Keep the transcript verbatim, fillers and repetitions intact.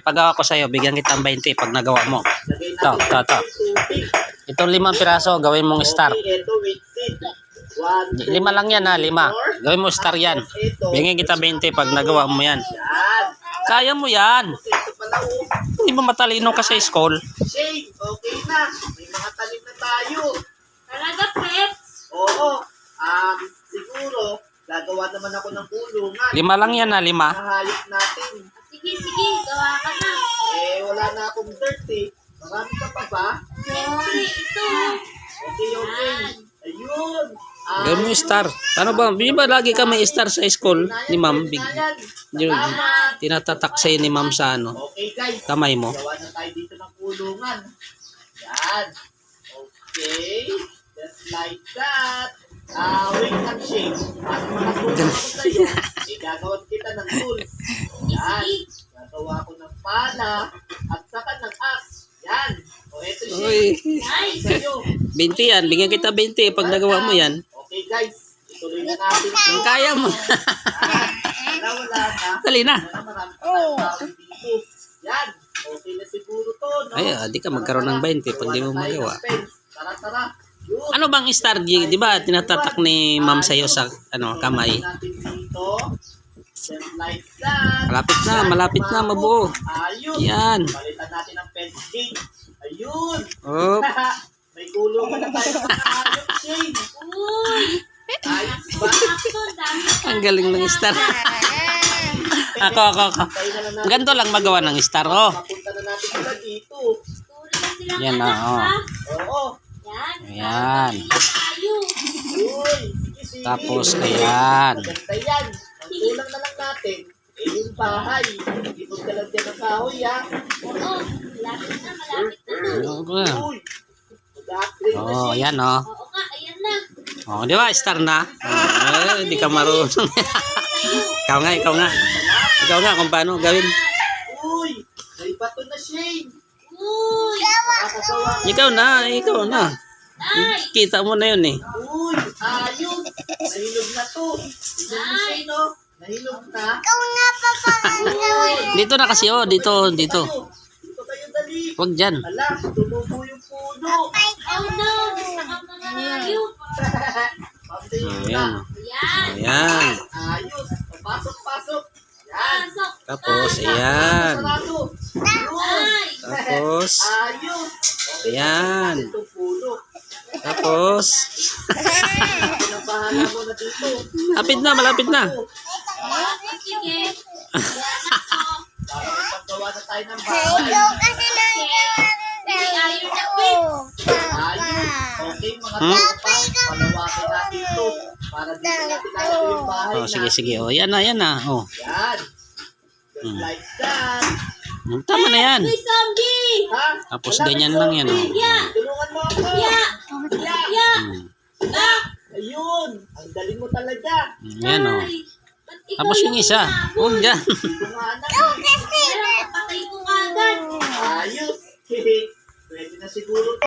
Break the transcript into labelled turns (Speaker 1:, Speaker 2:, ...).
Speaker 1: pagawa ko sa'yo, bigyan kita ng twenty pag nagawa mo. Ito, ito, ito. Itong limang piraso, gawin mong star. Lima lang yan ha, lima. Gawin mo star yan. Bigyan kita twenty pag nagawa mo yan. Kaya mo yan. Hindi mo matalino ka sa school.
Speaker 2: Shane, okay na. May mga talim na tayo.
Speaker 3: Talaga, pets?
Speaker 2: Oo. Um, siguro, gagawa naman ako ng kulungan.
Speaker 1: Lima lang yan ha, lima.
Speaker 2: Nahayop natin.
Speaker 3: Sige, sige, gawa ka na.
Speaker 2: Eh, wala na akong dirt eh. Marami ka pa ba?
Speaker 3: Siyempre, ito.
Speaker 2: Okay, okay. Ayun. Ah,
Speaker 1: Gawin mo star. Ano ba? Di ba lagi ka may star sa school ni ma'am? Big, yun, tinatatak sa'yo ni ma'am sa ano,
Speaker 2: okay, guys.
Speaker 1: kamay mo.
Speaker 2: Gawa na tayo dito ng kulungan. Yan. Okay. Just like that. Ah, wait lang, Shane. Para makatulong ko sa'yo, eh, gagawan kita ng tools. Yan. Gagawa ko ng pala at saka ng axe. Yan. O, eto, Shane.
Speaker 1: Uy,
Speaker 3: Nice.
Speaker 2: Sa'yo.
Speaker 1: twenty yan. Bigyan kita twenty pag nagawa mo yan.
Speaker 2: Okay, guys. Ituloy na natin.
Speaker 1: Kung kaya mo.
Speaker 2: Wala, wala na.
Speaker 1: Dali na.
Speaker 2: Wala, marami pa tayong tao dito. Yan. Okay na siguro to, no?
Speaker 1: Ay, ah, di ka magkaroon ng twenty pag di mo
Speaker 2: Gawa na tayo
Speaker 1: magawa.
Speaker 2: ng fence. Tara, tara. Yun.
Speaker 1: Ano bang star? Di, di ba tinatatak ni ma'am sa'yo sa ano, kamay?
Speaker 2: Natin dito. Just like that.
Speaker 1: Malapit na, malapit na, mabuo.
Speaker 2: Ayun.
Speaker 1: Yan.
Speaker 2: Palitan natin ang fence gate. Ayun.
Speaker 1: Oh,
Speaker 2: May kulungan na tayo ng ayun, Shane.
Speaker 3: Uy,
Speaker 2: Ayos ba?
Speaker 3: sakto, dami ka.
Speaker 1: ang galing ng star. Ako, ako, ako.
Speaker 2: Tayo na lang natin.
Speaker 1: Ganito lang magawa ng star. Oh.
Speaker 2: Mapunta na natin sila dito.
Speaker 3: Turi na silang
Speaker 1: Yan,
Speaker 3: anak,
Speaker 1: oo.
Speaker 3: ha?
Speaker 2: Oo.
Speaker 3: Yan.
Speaker 1: Ayan.
Speaker 3: Tayo.
Speaker 2: Uy, sige, sige.
Speaker 1: Tapos, ayan.
Speaker 2: Maganda yan. Ang kulang na lang natin, eh yung bahay. Ipod ka lang dyan ng kahoy, ha?
Speaker 3: Oo, malapit na, malapit na.
Speaker 1: Ano ba?
Speaker 2: Uy, mag-upgrade na
Speaker 1: Oh,
Speaker 2: siya.
Speaker 1: yan oh.
Speaker 3: Oo ka, ayan na.
Speaker 1: Oh, di ba? Star na. Oh, di ka marunong. ikaw nga, ikaw nga. Ikaw nga kung paano gawin.
Speaker 2: Uy, may bato na, Shane.
Speaker 3: Uy,
Speaker 2: Makakagawa ka.
Speaker 1: Ikaw na, ikaw na.
Speaker 3: nice.
Speaker 1: Kita mo na yun eh.
Speaker 2: Uy, ayos. Nahilog na to. Tignan mo, Shane, no? Nahilog na.
Speaker 1: Dito na kasi oh, dito, dito.
Speaker 2: Tayo. Dito kayo dali.
Speaker 1: Huwag dyan.
Speaker 2: Ala, tumubo yung puno.
Speaker 3: Oh no, gusto ka mga hayop.
Speaker 2: Pabday
Speaker 1: Oh,
Speaker 2: na.
Speaker 1: yan.
Speaker 3: Ayan.
Speaker 1: Ayan.
Speaker 2: Ayos. Pasok, pasok. Yan.
Speaker 3: Pasok.
Speaker 1: Tapos, ayan.
Speaker 2: Sarado.
Speaker 3: Nice.
Speaker 1: Tapos,
Speaker 2: Ayos. Okay,
Speaker 1: ayan.
Speaker 2: itong puno.
Speaker 1: Tapos,
Speaker 2: Pinabahala mo na dito.
Speaker 1: lapit na, malapit na.
Speaker 3: Okay, sige. Ayan ako.
Speaker 2: Para may paggawa na tayo ng bahay.
Speaker 3: Hindi ayaw na pets.
Speaker 2: Ayos. Okay, mga
Speaker 1: Hmm?
Speaker 2: tropa. Palawakin natin ito. Para dito natin lalagay yung bahay
Speaker 1: Oh, sige,
Speaker 2: natin.
Speaker 1: sige. Oh, yan na, yan na. Oh.
Speaker 2: Yan. Just
Speaker 1: Hmm.
Speaker 2: like that.
Speaker 1: Hmm, Tama na yan.
Speaker 3: Uy, zombie.
Speaker 2: Ha?
Speaker 1: Tapos
Speaker 2: Wala
Speaker 1: ganyan
Speaker 2: kang
Speaker 1: lang yan. Oh.
Speaker 2: zombie.
Speaker 3: Ya.
Speaker 2: Tulungan mo ako.
Speaker 3: Ya.
Speaker 2: Ya.
Speaker 3: Ya.
Speaker 1: Hmm.
Speaker 3: Ah.
Speaker 2: Ayun. Ang galing mo talaga.
Speaker 1: Yan oh.
Speaker 3: Ay, ba't ikaw
Speaker 1: Tapos yung
Speaker 3: lang
Speaker 1: isa.
Speaker 3: umabot?
Speaker 1: Huwag dyan.
Speaker 2: Tumanak.
Speaker 3: Pero kapatay ko agad.
Speaker 2: Ayos. Pwede na siguro